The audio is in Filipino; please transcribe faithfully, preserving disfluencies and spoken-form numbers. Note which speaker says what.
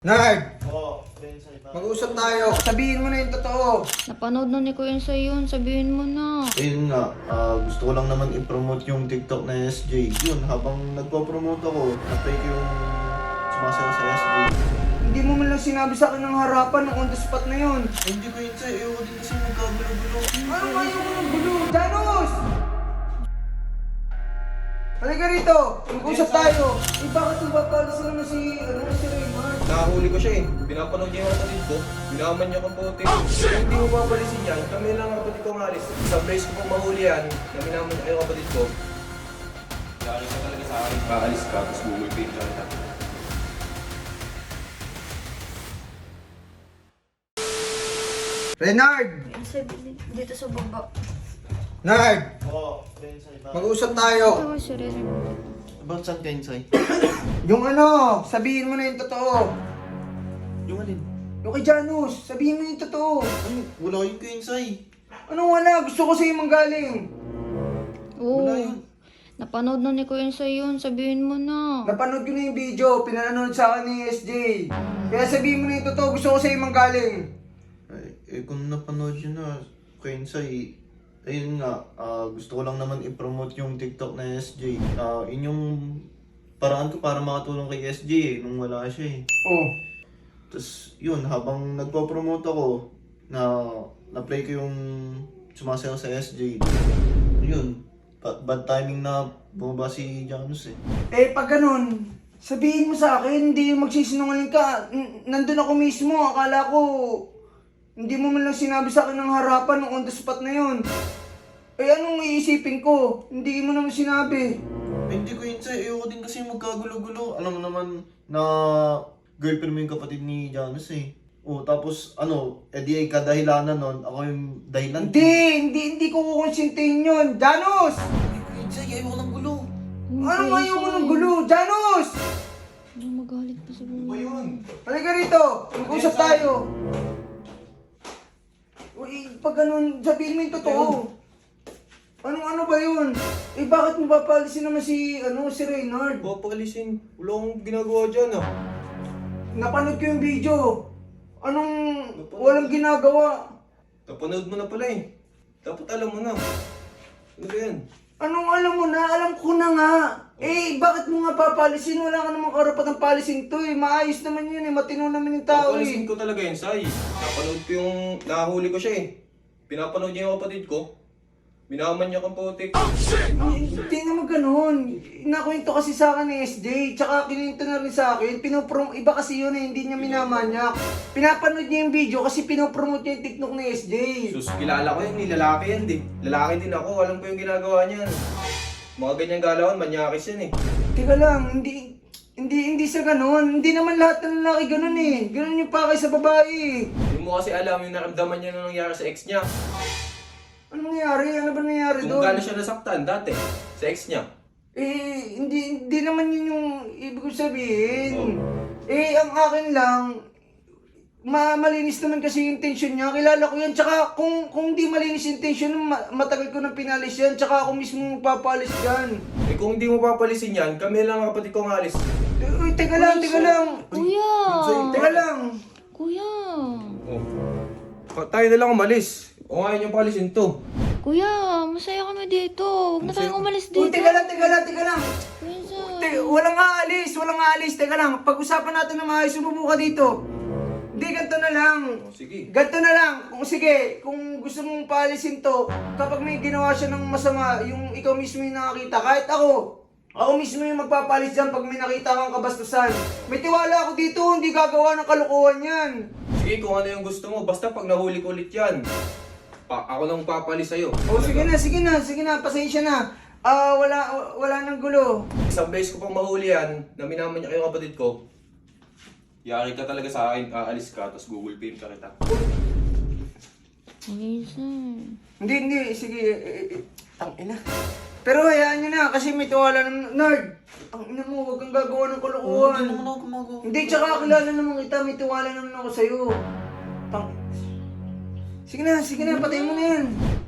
Speaker 1: Nerd!
Speaker 2: Oo, Bensay ba?
Speaker 1: Mag-usap tayo. Sabihin mo na yung totoo.
Speaker 3: Napanood na ni Kuya Insay yun, sabihin mo na.
Speaker 2: Ayun nga, ah, gusto ko lang naman i-promote yung TikTok na S J. Yun, habang nagpo-promote ako, na-play ko yung sumasayaw sa S J.
Speaker 1: Hindi mo man lang sinabi sa akin ng harapan ng on the spot na yun.
Speaker 2: Eh, hindi ko yun sa'yo, ayoko din kasi magkagulo-gulo.
Speaker 1: Ano nga yung mga gulo? Janos! Halika rito! Mag-usap tayo. Eh, bakit nagpapalas naman si, ano, si Raymond?
Speaker 4: Nakahuli ko siya eh. Pinapanood niya yung kapatid ko. Binaman niya kung puti. Kung hindi mo papalisin yan, kami lang ang kapatid ko ng alis. Sa place ko pong mahuli yan, na binaman niya yung kapatid ko. Lalo ka talaga sa akin. Kaalis ka, tapos bumulpin ka kita.
Speaker 1: Renard!
Speaker 3: Insay, dito sa baba.
Speaker 1: Nerd!
Speaker 2: Oo, Bensay ba?
Speaker 1: Mag-usap tayo.
Speaker 3: Ito si Rere.
Speaker 2: Ba't saan Bensay?
Speaker 1: Yung ano, sabihin mo na yung totoo.
Speaker 2: Yung alin?
Speaker 1: Yung kay Janus, sabihin mo yung totoo.
Speaker 2: Ano? Wala yung Bensay.
Speaker 1: Anong wala? Gusto ko sa'yo manggaling.
Speaker 3: Oo.
Speaker 2: Wala yun.
Speaker 3: Napanood na ni Kuya Insay yun, sabihin mo na.
Speaker 1: Napanood ko na yung video, pinanood sa akin ni S J. Kaya sabihin mo na yung totoo, gusto ko sa'yo manggaling.
Speaker 2: Ay, eh, kung napanood yun na, Bensay, ayun nga, ah, gusto ko lang naman i-promote yung TikTok na S J. Ah, yun yung paraan ko para makatulong kay S J eh, nung wala siya eh.
Speaker 1: Oh.
Speaker 2: Tapos yun, habang nagpo-promote ako, na na-play ko yung sumasayaw sa S J. Yun, ba- bad timing na bumaba si Janus eh.
Speaker 1: Eh, pag ganun, sabihin mo sa akin, hindi yung magsisinungaling ka. N- nandun ako mismo, akala ko, hindi mo man lang sinabi sa akin ng harapan ng on the spot na yun. Eh, anong iisipin ko? Hindi mo naman sinabi.
Speaker 2: Eh, hindi ko yun sa'yo, ayoko din kasi magkagulo-gulo. Alam mo naman na girlfriend mo yung kapatid ni Janus eh. O tapos ano, edi ay kadahilanan nun, ako yung dahilan.
Speaker 1: Hindi, hindi, hindi ko kukonsintihin yun. Janus!
Speaker 2: Hindi ko yun sa'yo, ayoko ng gulo.
Speaker 1: Ano nga yung unang gulo? Janus!
Speaker 3: Ano magalit pa sa
Speaker 4: Ano ba yun?
Speaker 1: Halika rito, mag-usap tayo. Uy, pag ganun, sabihin mo yung totoo. Anong ano ba yun? Eh, bakit mo papalisin naman si, ano, si Reynard?
Speaker 4: Papakalisin. Wala akong ginagawa dyan ah.
Speaker 1: Napanood ko yung video. Anong walang ginagawa?
Speaker 4: Napanood mo na pala eh. Dapat alam mo na. Ano ba yan?
Speaker 1: Anong alam mo na? Alam ko na nga. Eh, bakit mo nga papalisin? Wala ka namang karapatang palisin to eh. Maayos naman yun eh. Matino naman yung tao
Speaker 4: Papalisin
Speaker 1: eh.
Speaker 4: ko talaga yun, Sai. Napanood ko yung... Nahuli ko siya eh. Pinapanood niya yung kapatid ko. Binaman niya kung putik.
Speaker 1: Ay, Hindi naman ganun. Nakwento kasi sa akin ni S J. Tsaka kininto na rin sa akin. Pinoprom... Iba kasi yun eh. Hindi niya minamanyak. Pinapanood niya yung video kasi pinopromote niya yung TikTok ni S J.
Speaker 4: Sus, kilala ko yun, ni lalaki yan din. Lalaki din ako, alam ko yung ginagawa niyan. Mga ganyang galawan, manyakis yan eh.
Speaker 1: Teka lang, hindi... Hindi hindi sa ganun. Hindi naman lahat ng lalaki ganun eh. Ganun yung pakay sa babae.
Speaker 4: Hindi mo kasi alam yung naramdaman niya na nangyari sa ex niya.
Speaker 1: Ano nangyari? Ano ba nangyari
Speaker 4: Kung
Speaker 1: doon?
Speaker 4: gaano siya nasaktan dati, sa ex niya.
Speaker 1: Eh, hindi, hindi naman yun yung ibig ko sabihin.
Speaker 4: Oh.
Speaker 1: Eh, ang akin lang, ma malinis naman kasi yung intention niya. Kilala ko yan. Tsaka kung, kung di malinis yung intention, ma matagal ko nang pinalis yan. Tsaka ako mismo magpapalis dyan.
Speaker 4: Eh kung hindi mo papalisin yan, kami lang ang kapatid kong alis.
Speaker 1: Eh, uy, teka lang, teka lang.
Speaker 3: Kuya!
Speaker 1: Teka lang.
Speaker 3: Kuya!
Speaker 4: Oh. Pa- tayo na lang umalis. O ngayon yung palisin to.
Speaker 3: Kuya, masaya kami dito. Huwag na tayong umalis
Speaker 1: Uy,
Speaker 3: dito.
Speaker 1: teka lang, teka lang, teka lang.
Speaker 3: Kuya Insay.
Speaker 1: Te, walang aalis, walang aalis. Teka lang, pag-usapan natin na maayos, sumubo ka dito. Hindi, ganito na lang.
Speaker 4: O sige.
Speaker 1: Ganito na lang. Kung sige, kung gusto mong paalisin to, kapag may ginawa siya ng masama, yung ikaw mismo yung nakakita, kahit ako, ako mismo yung magpapalis dyan pag may nakita kang kabastusan. May tiwala ako dito, hindi gagawa ng kalokohan yan.
Speaker 4: Sige kung ano yung gusto mo, basta pag nahuli ko ulit yan. Pa ako nang papalis sa'yo.
Speaker 1: O sige na, sige na, sige na, pasensya na. Ah, wala, wala nang gulo.
Speaker 4: Isang beses ko pang mahuli yan, na minaman niya kayo kapatid ko. Yari ka talaga sa akin, aalis ka, tapos Google Pay ka kita.
Speaker 3: Kuya Insay.
Speaker 1: Hindi, hindi, sige, eh, eh, eh, tangina. Pero hayaan nyo na, kasi may tiwala ng nerd. Ang ina mo, huwag kang gagawa ng kalokohan.
Speaker 2: Hindi naman ako gumagawa.
Speaker 1: Hindi, tsaka kilala naman kita, may tiwala naman ako sa'yo. Tang... Sige na, sige na, patayin mo na yan.